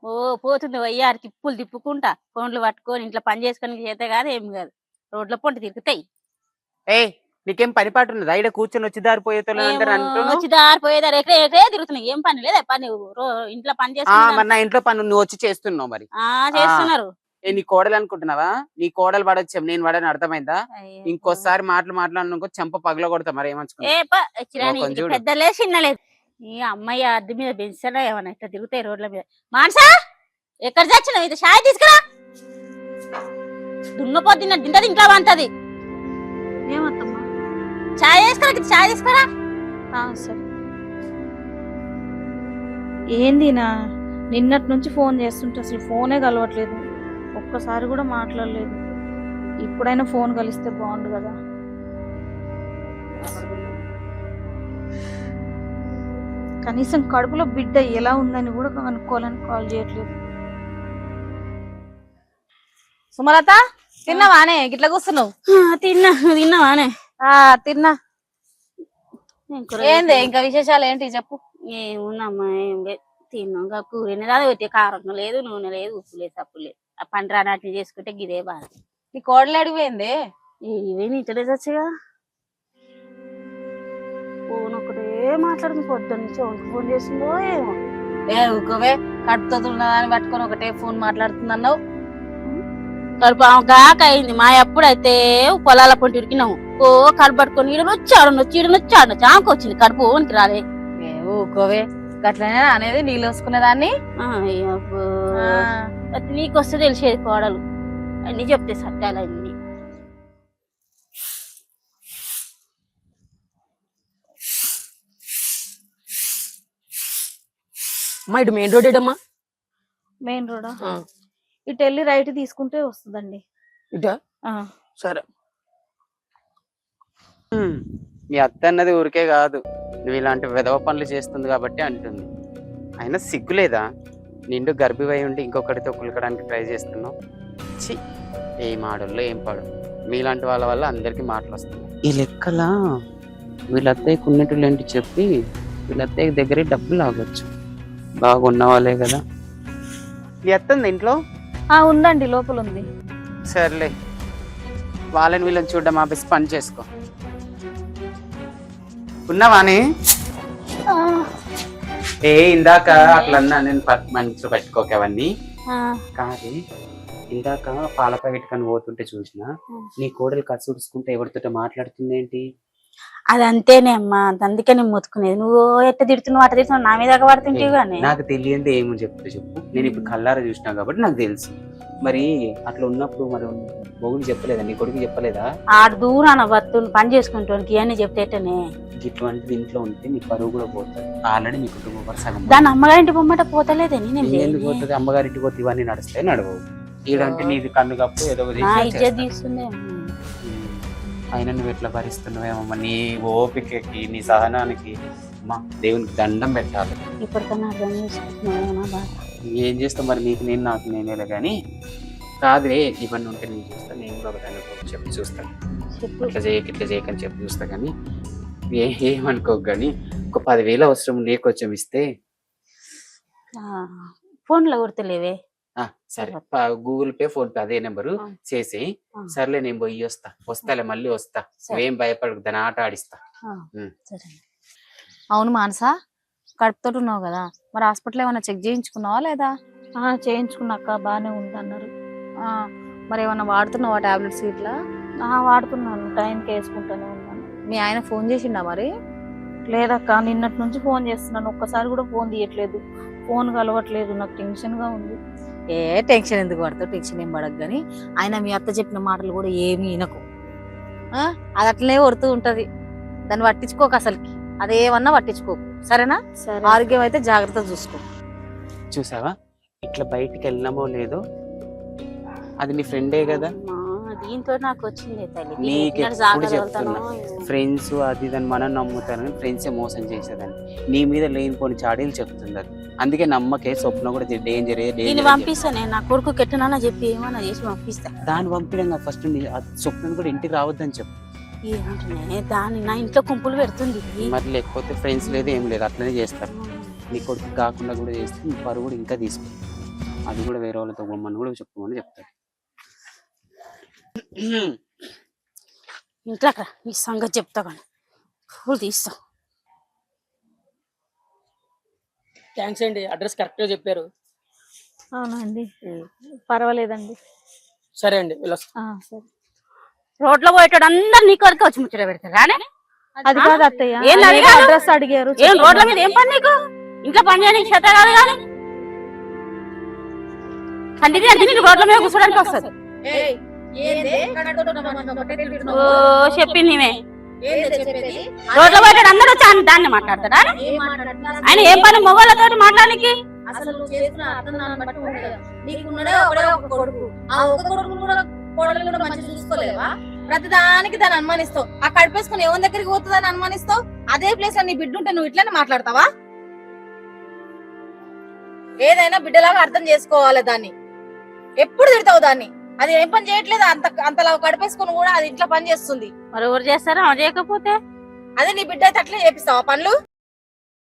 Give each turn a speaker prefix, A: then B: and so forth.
A: ఓ పోతుంది వయ్యారు తిప్పులు తిప్పుకుంటా ఫోన్లు పట్టుకొని ఇంట్లో పని చేసుకొని చేతే కాదు ఏం కాదు రోడ్ల పొంటి తిరుగుతాయి.
B: ఏ నీకేం పని పాటు ఉన్నది ఈడ కూర్చొని వచ్చి దారిపోయేతో
A: వచ్చి దారిపోయేదారు ఎక్కడే ఎక్కడే తిరుగుతున్నాయి. ఏం పని లేదా పని ఇంట్లో పని చేసుకున్నా
B: మరి నా ఇంట్లో పని నువ్వు వచ్చి చేస్తున్నావు మరి
A: చేస్తున్నారు.
B: నీ కోడలు అనుకుంటున్నావా? నీ కోడలు పడొచ్చు నేను పడని అర్థమైందా? ఇంకోసారి మాట్లాడినాకో చెంప పగల కొడతా మరి ఏమనుకో
A: పెద్దలే చిన్నలేదు. ఈ అమ్మాయి అద్దె మీద పెంచాలా ఏమన్నా ఇట్లా తిరుగుతాయి రోడ్ల మీద. మానసా ఎక్కడ చచ్చినావు? ఇది చాయ్ తీసుకురా. దున్నపోద్ది తింటది ఇంకా వంటది.
C: ఏమత్తమ్మా?
A: చాయ్ తీసుకురా, చాయ్ తీసుకురా.
C: సరే. ఏందినా నిన్నటి నుంచి ఫోన్ చేస్తుంటే అసలు ఫోనే కలవట్లేదు, ఒక్కసారి కూడా మాట్లాడలేదు. ఇప్పుడైనా ఫోన్ కలిస్తే బాగుండు కదా. కనీసం కడుపులో బిడ్డ ఎలా ఉందని కూడా కనుక్కోవాలని కాల్ చేయట్లేదు.
D: సుమలత తిన్నావానే? గిట్ల కూర్చున్నావు?
A: తిన్నావానే?
D: తిన్నా. ఏంది ఇంకా విశేషాలు ఏంటి చెప్పు.
A: ఏమున్నామ్మా ఏం లేదు, తిన్నాం. కూరనే రాదు, పెట్టే కారం లేదు, నూనె లేదు, ఉప్పు లేదు, తప్పు లేదు. ఆ పంట రానట్లు చేసుకుంటే గిదే బాధ.
D: నీ కోడలు అడిగిపోయింది?
A: ఇవే నీటలే చచ్చిగా. ఫోన్ ఒకటే మాట్లాడుతుంది పొద్దున్న నుంచి. ఎవరికి ఫోన్ చేసిందో ఏమో.
D: ఊకోవే, కడుపుతో ఉన్నదాన్ని పట్టుకొని ఒకటే ఫోన్ మాట్లాడుతుందన్నావు.
A: కడుపు గాక అయింది. మా ఎప్పుడైతే పొలాల పొంటి ఉరికినాము. ఓ కడుపు పట్టుకొని ఈడనొచ్చి ఆడనొచ్చి ఈడనొచ్చి ఆడనొచ్చి ఆమెకు వచ్చింది కడుపు ఓనికి రాలే.
D: ఊకోవే, గట్లనే అనేది నీళ్ళు వేసుకునేదాన్ని.
A: నీకు వస్తే తెలిసేది కోడలు అన్ని చెప్తే సత్యాలన్నీ.
E: అమ్మా ఇటు మెయిన్ రోడ్ ఏడమ్మా?
C: మెయిన్ రోడా? ఇటు వెళ్ళి రైట్ తీసుకుంటే వస్తుందండి.
E: ఇటా? సరే.
B: మీ అత్త అన్నది ఊరికే కాదు, నువ్వు ఇలాంటి విధవ పనులు చేస్తుంది కాబట్టి అంటుంది. అయినా సిగ్గులేదా? నిండు గర్భివై ఉండి ఇంకొకటితో కులకడానికి ట్రై చేస్తున్నావు. చి, ఏం ఆడల్లో ఏం పాడు. మీలాంటి వాళ్ళ వల్ల అందరికీ మాటలు వస్తున్నాయి. ఈ లెక్కలా వీళ్ళ అత్తయ్యకు ఉన్నట్లు ఏంటి చెప్పి వీళ్ళ అత్తయ్య దగ్గరే డబ్బులు ఆగొచ్చు. బాగున్న వాళ్ళే కదా. మీ అత్తంది ఇంట్లో?
C: ఉందండి, లోపల ఉంది.
B: సర్లే, వాళ్ళని వీళ్ళని చూడడం ఆపేసి పని చేసుకో. ఉన్నావాని? ఇందాక అట్లన్నా నేను మనసులో పెట్టుకోక అవన్నీ కాదు. ఇందాక పాల ప్యాకెట్ కని పోతుంటే చూసిన నీ కోడలు కసుడుచుకుంటే ఎవరితో మాట్లాడుతుంది ఏంటి?
A: అదంతేనే అమ్మా, అందుకే నేను మొత్తుకునేది. నువ్వు ఎట్ట తిడుతున్నావు అట్ట తిడుతున్నావు, నా మీద పడుతుంటే కానీ
B: నాకు తెలియంది ఏమో చెప్తే చెప్పు. నేను ఇప్పుడు కళ్ళారా చూసినా కాబట్టి నాకు తెలుసు. మరి అట్లా ఉన్నప్పుడు మరి మొగుడు చెప్పలేదా? నీ కొడుకు చెప్పలేదా?
A: ఆడు దూరాన వత్తుని పని చేసుకుంటానికి ఇవన్నీ చెప్తేనే.
B: ఇటువంటిది ఇంట్లో ఉంటే నీ పరువు కూడా పోతుంది. ఆల్రెడీ మీ కుటుంబం సగం.
A: దాని అమ్మగారింటి బొమ్మట పోతలేదని
B: ఎందుకు పోతుంది? అమ్మగారింటికి పోతే ఇవన్నీ నడుస్తాయి నడవవు. ఈడంటే నీది కన్ను కప్పు ఏదో
A: తీస్తుంది.
B: అయినా నువ్వు ఎట్లా భరిస్తున్నావేమమ్మా? నీ ఓపికకి నీ సహనానికి అమ్మా దేవునికి దండం పెట్టాలి.
A: ఇప్పటికన్నా అర్థం చేసుకుంటున్నావేమో.
B: ఏం చేస్తావు మరి? నీకు నేను నాకు నేనేలే కానీ కాదులే. ఇవన్నీ ఉంటే నేను చూస్తాను. నేను కూడా ఒకదాన్ని చెప్పి చూస్తాను. ఇట్లా చేయకని చెప్పి చూస్తా. కానీ ఏమనుకోకు. కానీ ఒక 10,000 అవసరం నీకు కొంచెం ఇస్తే.
A: ఫోన్లో కొడతలేవే?
B: సరే, గూగుల్ పే ఫోన్ పే అదే నెంబరు చేసి. సర్లే, నేను పోయి వస్తాలే, మళ్ళీ వస్తా. నువ్వేం భయపడకు, దాని ఆట ఆడిస్తా.
D: అవును మానసా, కడుపుతో ఉన్నావు కదా, మరి హాస్పిటల్ ఏమైనా చెక్ చేయించుకున్నావా లేదా?
C: చేయించుకున్నాక బాగానే ఉంది అన్నారు.
D: మరి ఏమన్నా వాడుతున్నావా టాబ్లెట్స్ ఇట్లా?
C: వాడుతున్నాను, టైంకి వేసుకుంటూనే ఉన్నాను.
D: మీ ఆయన ఫోన్ చేసిండా మరి?
C: లేదక్క, నిన్నటి నుంచి ఫోన్ చేస్తున్నాను, ఒక్కసారి కూడా ఫోన్ తీయట్లేదు. ఫోన్ కలవట్లేదు, నాకు టెన్షన్ గా ఉంది.
D: టెన్షన్ ఎందుకు పడతావు? టెన్షన్ ఏం పడకు. కానీ ఆయన మీ అత్త చెప్పిన మాటలు కూడా ఏమీ వినకు. అది అట్లనే కొడుతూ ఉంటది, దాన్ని పట్టించుకోకు. అసలుకి అదేమన్నా పట్టించుకోకు, సరేనా? ఆరోగ్యం అయితే జాగ్రత్త చూసుకో.
B: చూసావా ఇట్లా బయటికి వెళ్ళినామో లేదో, అది నీ ఫ్రెండే కదా.
A: దీంతో నాకు వచ్చింది తల్లి.
B: నీకు ఎప్పుడు చెప్తున్నా, ఫ్రెండ్స్ అది దాన్ని మనం నమ్ముతాను, ఫ్రెండ్సే మోసం చేసేదాన్ని. నీ మీద లేనిపోని చాడీలు చెప్తుంది అది. అందుకే నమ్మకే. స్వప్న కూడా డేంజర్
A: పంపిస్తాను. నా కొడుకు కెట్టనా చెప్పి ఏమన్నా చేసి పంపిస్తా.
B: దాన్ని పంపించడం ఫస్ట్ స్వప్న కూడా ఇంటికి రావద్దని చెప్పు.
A: ఏమంటున్నా దాన్ని నా ఇంట్లో కుంపులు పెడుతుంది.
B: మరి లేకపోతే ఫ్రెండ్స్ లేదు ఏం లేదు, అట్లనే చేస్తారు. నీ కొడుకు కాకుండా కూడా చేస్తే నీ పరువు కూడా ఇంకా తీసుకుంటారు. అది కూడా వేరే వాళ్ళతో బొమ్మని కూడా చెప్పుకోమని చెప్తాడు.
A: ఇంట్లోకి రా, నీ సంగతి చెప్తా కానీ పూలు తీస్తా.
E: థ్యాంక్స్ అండి, అడ్రస్ కరెక్ట్ గా చెప్పారు.
C: అవునా అండి, పర్వాలేదండి.
E: సరే అండి వెళ్ళొస్తా.
C: సరే.
A: రోడ్లో పోయేటోడు అందరు నీ కొరకు వచ్చి ముచ్చట పెడతారు రానే.
C: అది కాదు అత్తయ్య,
A: ఏంది అడిగారు?
C: అడ్రస్ అడిగారు.
A: ఏం రోడ్ల మీద ఏం పని నీకు? ఇంట్లో పని చేయడానికి చేత కాదు కానీ కంటిది అంటే నీకు రోడ్ల మీద కూర్చోడానికి వస్తుంది. ఓ చెప్పింది నీవే. రోడ్ల పోయేటోడు అందరూ వచ్చి దాన్ని మాట్లాడతారా? ఆయన ఏం పని మొగోళ్ళతోటి మాట్లాడానికి?
D: అసలు నువ్వు చేసిన అర్థం బట్టి ఉంటుంది. నీకున్నడే ఒకడే ఒక కొడుకు, ఆ ఒక కొడుకు కూడా కోడలు కూడా మంచి చూసుకోలేవా? ప్రతిదానికి దాన్ని అనుమానిస్తావు. ఆ కడిపేసుకుని ఎవరి దగ్గరికి పోతుందని అనుమానిస్తావు. అదే ప్లేస్ లో నీ బిడ్డ ఉంటే నువ్వు ఇట్లానే మాట్లాడతావా? ఏదైనా బిడ్డలాగా అర్థం చేసుకోవాలి దాన్ని. ఎప్పుడు తిడతావు దాన్ని? అది ఏం పని చేయట్లేదు, అంతలా కడిపేసుకుని కూడా అది ఇంట్లో పని చేస్తుంది.
A: మరి ఎవరు చేస్తారా చేయకపోతే?
D: అదే నీ బిడ్డ అయితే అట్లే చేపిస్తావా పనులు?